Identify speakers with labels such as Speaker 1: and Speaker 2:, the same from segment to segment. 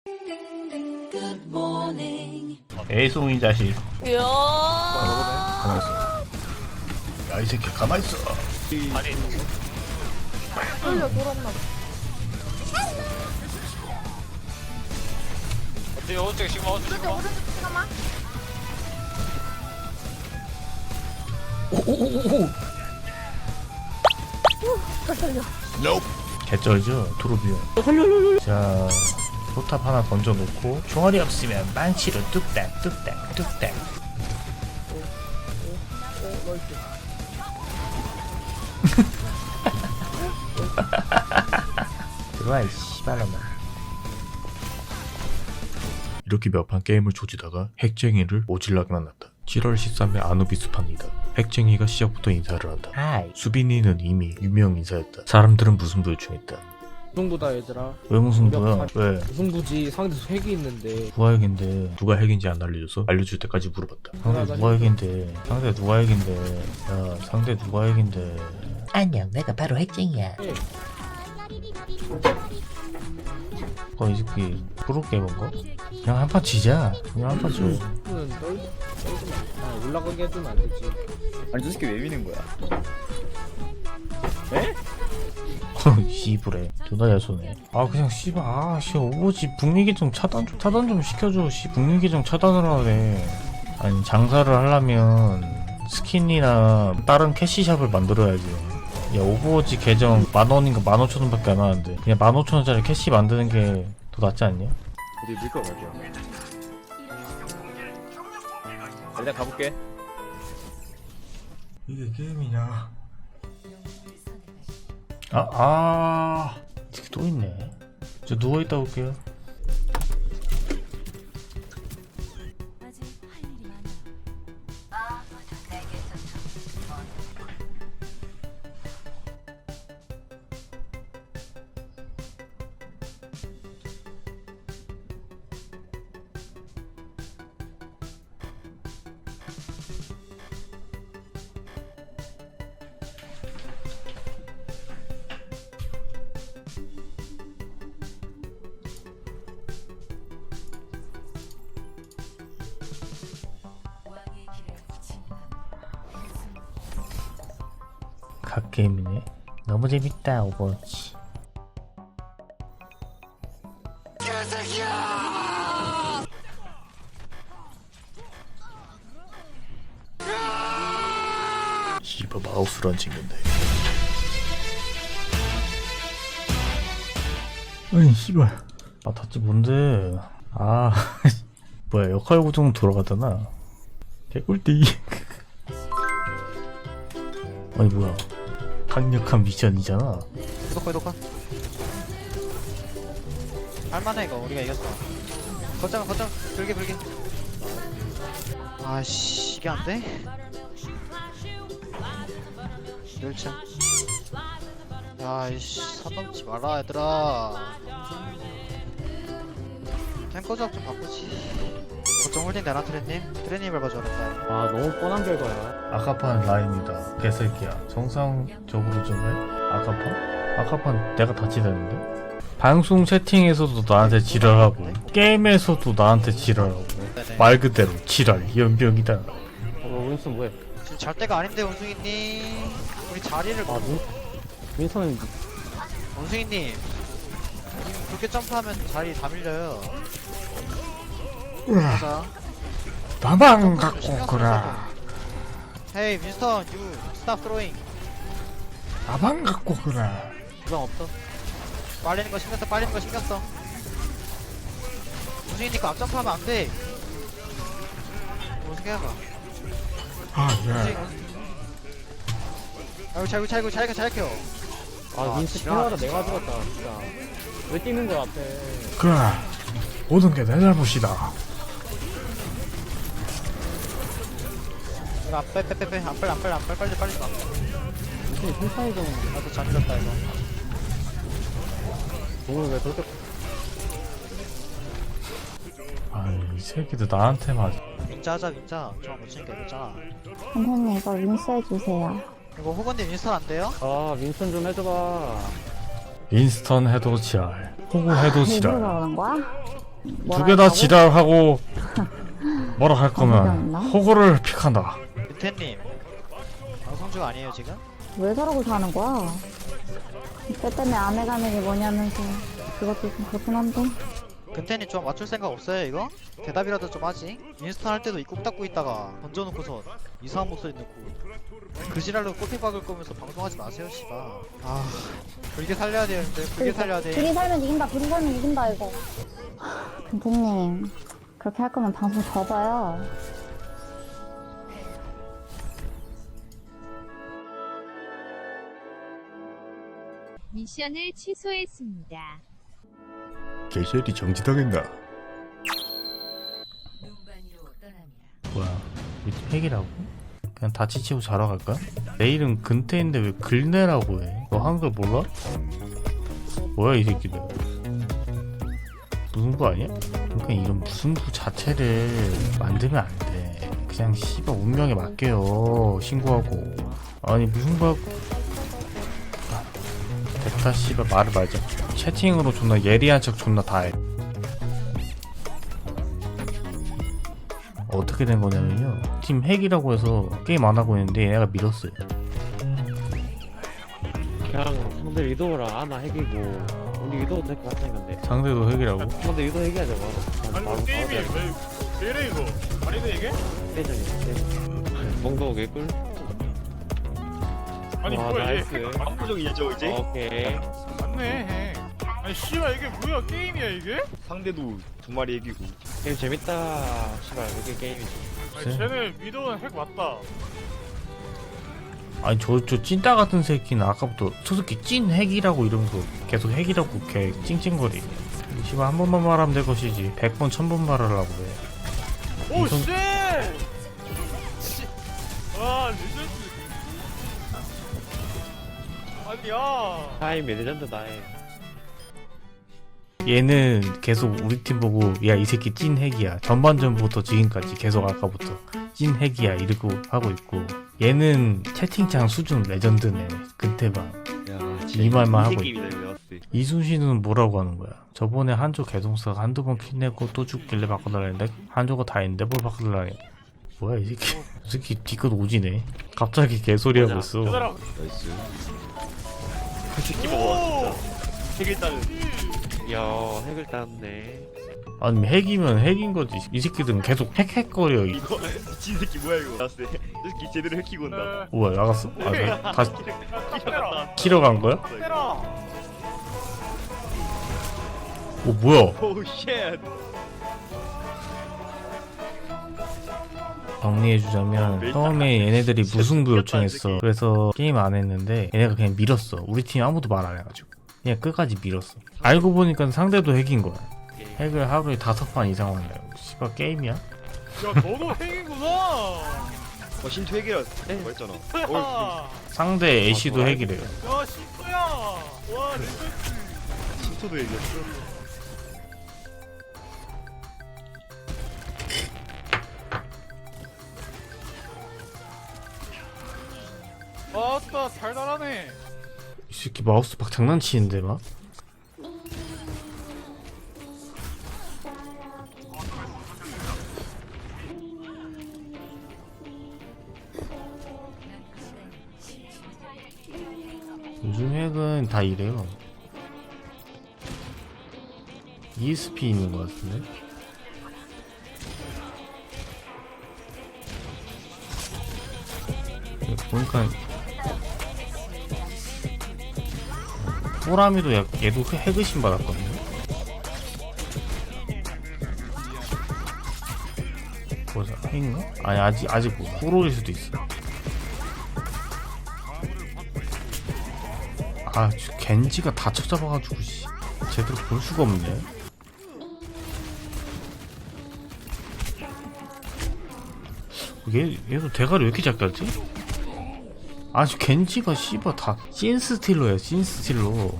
Speaker 1: 애송이 자식.
Speaker 2: 이야.
Speaker 1: 가만있어. 야, 이 새끼 가만있어. 아니.
Speaker 2: 돌려 돌았나 봐.
Speaker 3: 어때? 오른쪽 시그마, 오른쪽 시그마.
Speaker 2: 오른쪽 잠깐만.
Speaker 1: 오오오오.
Speaker 2: 살려.
Speaker 1: 개쩔죠? 트로비언. 자, 포탑 하나 던져놓고 총알이 없으면 만치로 뚝딱 뚝딱 뚝딱. 들어와 이 씨발놈아. 이렇게 몇 판 게임을 조지다가 핵쟁이를 오질나게 만났다. 7월 13일 아누비스판이다. 핵쟁이가 시작부터 인사를 한다. 하이. 수빈이는 이미 유명 인사였다. 사람들은 무슨 부요청했다.
Speaker 4: 무승부다 얘들아.
Speaker 1: 왜 무슨 부야? 왜?
Speaker 4: 무승부지. 상대에서 핵이 있는데
Speaker 1: 누가 핵인데 누가 핵인지 안 알려줘서 알려줄 때까지 물어봤다. 상대 누가 핵인데? 상대 누가 핵인데? 야, 상대 누가 핵인데? 안녕, 내가 바로 핵쟁이야. 이 새끼 프로게이머인 거? 그냥 한 판 지자. 그냥 한 판 줘.
Speaker 4: 는 떨지 마. 올라가게 해주면 안 되지.
Speaker 5: 아니 저 새끼 왜 미는 거야?
Speaker 1: 씨부래. 존나 잘 쏘네. 아 그냥 씨발 오버지 북미 계정 차단 좀 시켜줘. 북미 계정 차단을 하래. 아니 장사를 하려면 스킨이나 다른 캐시샵을 만들어야지. 야 오버워치 계정 10,000원인가 15,000원밖에 안 하는데 그냥 15,000원짜리 캐시 만드는 게 더 낫지 않냐?
Speaker 5: 어디 밀거 갈 거야? 일단 가볼게.
Speaker 1: 이게 게임이냐? 이렇게 또 있네. 저 누워있다 올게요. 갓게임이네. 너무 재밌다 오버워치. 씨발 마우스를 안 챙겼네. 아니 씨발 닫지 뭔데. 뭐야 역할 고정 돌아가잖아. 개꿀띠. 아니 뭐야 강력한 미션이잖아.
Speaker 3: 구독. 할만해 이거. 우리가 이겼어. 거점 불게. 아씨 이게 안 돼? 멸치. 야이씨 선 넘지 마라 얘들아. 탱커 조합 좀 바꾸지. 거점 홀딩 되나 트레님 밟아줘라.
Speaker 4: 아 너무 뻔한 결과야.
Speaker 1: 아카판 라인이다 개새끼야. 정상적으로 좀 해. 아카판 내가 다치다는데. 방송 채팅에서도 나한테 지랄하고 게임에서도 나한테 지랄하고 말 그대로 지랄 연병이다.
Speaker 4: 윈슨 뭐해?
Speaker 3: 지금 잘 때가 아닌데 원숭이님. 우리 자리를
Speaker 4: 윈슨은
Speaker 3: 원숭이님 그렇게 점프하면 자리 다 밀려요. 자,
Speaker 1: 나만 갖고 오거라.
Speaker 3: 헤이 윈스턴 유 스탑 스로잉.
Speaker 1: 나만 갖고 오거라.
Speaker 3: 부상 없어. 빨리는 거 신경 써. 원숭이니까 앞점프하면 안 돼. 어떻게 해봐. 아이고 잘 켜.
Speaker 4: 윈슨
Speaker 3: 지랄.
Speaker 4: 태워다 내가 죽었다 진짜. 왜 뛰는 거야 앞에?
Speaker 1: 그래 모든 게 내 잘못이다.
Speaker 3: 이거 빼. 빨리 가.
Speaker 4: 윈슨이 천천히 좀.
Speaker 3: 나도 잠들었다 이거.
Speaker 4: 공을 왜 그렇게?
Speaker 1: 이 새끼들 나한테만.
Speaker 3: 윈자 하자. 저거 못 치니까 이랬잖아.
Speaker 2: 선생님 이거 윈스 해주세요.
Speaker 3: 이거 호건님 윈스턴 안 돼요?
Speaker 4: 아 윈슨 좀 해줘봐.
Speaker 1: 인스턴 해도 지랄, 호구 해도
Speaker 2: 일부러
Speaker 1: 지랄.
Speaker 2: 그러는 거야?
Speaker 1: 두 개 다 지랄하고 뭐라 할 거면
Speaker 2: 없나?
Speaker 1: 호구를 픽한다.
Speaker 3: 윤태님 방송 중 아니에요 지금?
Speaker 2: 왜 저러고 사는 거야? 때 때문에 안 해가는 게 뭐냐면서 그것도 좀 그렇긴 한데.
Speaker 3: 근태님 좀 맞출 생각 없어요 이거? 대답이라도 좀 하지. 인스턴 할 때도 입국 닫고 있다가 던져놓고서 이상한 목소리 넣고 그 지랄로 꼬피 박을 거면서 방송하지 마세요 씨발. 아 불게 살려야 되는데 불게 살려야 돼.
Speaker 2: 둘이 살면 이긴다. 둘이 살면 이긴다 이거. 근태님 그렇게 할 거면 방송 접어요.
Speaker 6: 미션을 취소했습니다.
Speaker 1: 개셜이 정지당했나? 뭐야? 핵이라고? 그냥 다 지치고 자러 갈까? 내 이름 근태인데 왜 글내라고 해? 너 한글 몰라? 뭐야 이 새끼들? 무승부 아니야? 그러니까 이런 무승부 자체를 만들면 안 돼. 그냥 씨발 운명에 맡겨요. 신고하고. 아니 무승부하고 됐다 씨발 말을 말자. 채팅으로 존나 예리한 척 존나 다 해. 어떻게 된 거냐면요, 팀 핵이라고 해서 게임 안 하고 있는데 얘네가 밀었어요.
Speaker 4: 그냥 상대 위도우랑 아나 핵이고 우리 위도우도 핵 같은 건데
Speaker 1: 상대도 핵이라고?
Speaker 4: 상대 위도우 핵이야 저거.
Speaker 7: 아니 뭐 게임이 왜 이래 이거? 아니네 이게?
Speaker 4: 대전이 몽도 개꿀.
Speaker 7: 아니
Speaker 4: 와,
Speaker 7: 뭐야
Speaker 4: 나이스.
Speaker 7: 얘?
Speaker 5: 압도적이죠 이제?
Speaker 4: 오케이.
Speaker 7: 맞네. 아니 씨발 이게 뭐야 게임이야 이게?
Speaker 5: 상대도 두 마리 얘기고.
Speaker 4: 게임 재밌다. 씨발 이게 게임이지.
Speaker 7: 아니 쟤네 위도우는 핵 맞다.
Speaker 1: 아니 저 찐따 같은 새끼는 아까부터 저 새끼 찐 핵이라고 이러면서 계속 핵이라고 걔 찡찡거리. 씨발 한 번만 말하면 될 것이지 100번 1000번 말하려고 해.
Speaker 7: 오
Speaker 1: 이성-
Speaker 7: 쉣! 와 레전드. 아니야.
Speaker 4: 타임 레전드다 해.
Speaker 1: 얘는 계속 우리 팀 보고 야 이 새끼 찐 핵이야. 전반전부터 지금까지 계속 아까부터 찐 핵이야 이러고 하고 있고, 얘는 채팅창 수준 레전드네. 근태방
Speaker 5: 야,
Speaker 1: 이 말만 하고
Speaker 5: 게임이다 왜 왔어?
Speaker 1: 이순신은 뭐라고 하는 거야? 저번에 한조 개동사가 한두 번 킬내고 또 죽길래 바꿔달라 했는데 한조가 다 했는데 뭘 바꿔달라 해. 뭐야 이 새끼. 이 새끼 뒤끝 오지네. 갑자기 개소리 하고 있어.
Speaker 7: 얘들아.
Speaker 5: 나이스.
Speaker 7: 그 새끼 먹어 진짜. 핵 일단은.
Speaker 4: 이야 핵을 땄네.
Speaker 1: 아니 핵이면 핵인 거지. 이 새끼들은 계속 핵핵거려.
Speaker 5: 이거 미친 새끼 뭐야 이거? 나왔어. 이 새끼 제대로 해키고 온다.
Speaker 1: 뭐야 나갔어? 아 네. 다시
Speaker 7: 때라.
Speaker 1: 키러 간 거야?
Speaker 7: 때라.
Speaker 1: 오 뭐야?
Speaker 5: 오우 쉣.
Speaker 1: 정리해주자면 처음에 얘네들이 무승부 요청했어. 그래서 게임 안 했는데 얘네가 그냥 밀었어. 우리 팀 아무도 말 안 해가지고 그냥 끝까지 밀었어. 알고 보니까 상대도 핵인 거야. 핵을 하루에 5판 이상 한다. 씨발 게임이야?
Speaker 7: 야 너도 핵이구나.
Speaker 5: 신투 핵이라 말했잖아.
Speaker 7: 아.
Speaker 1: 상대 애쉬도 핵이래요.
Speaker 7: 야 신토야. 와 레전드.
Speaker 5: 신투도 얘기했어.
Speaker 7: 아따 달달하네.
Speaker 1: 이 새끼 마우스 막 장난치는데 막? 요즘 핵은 다 이래요. ESP 있는 것 같은데? 보니까 호람이도 얘도 핵의심 받았거든요. 뭐자 핵인가? 아니 아직 호로일 수도 있어. 아 겐지가 다 쳐잡아가지고 씨 제대로 볼 수가 없네. 얘도 대가리 왜 이렇게 작다지? 아주 겐지가 씨발 다 찐스틸러야 찐스틸러.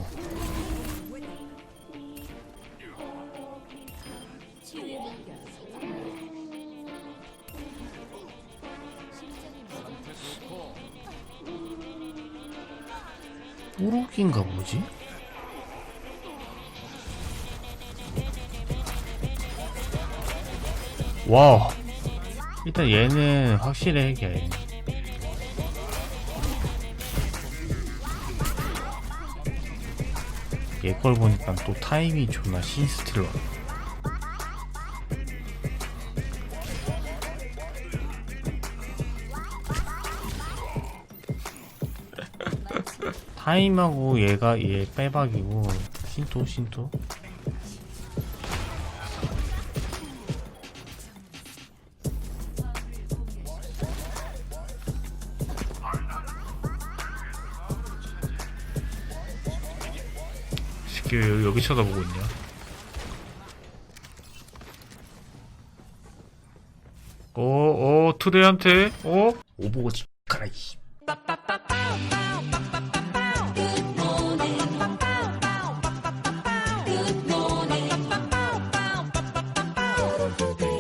Speaker 1: 우럭인가 뭐지? 와 일단 얘는 확실히 핵이야 얘는. 얘 걸 보니까 또 타이밍이 존나 신스틸러. 타임하고 얘가 얘 빼박이고 신토 새끼 왜 여기 쳐다보고 있냐. 투대한테 오버워치 가라 이
Speaker 6: Good morning.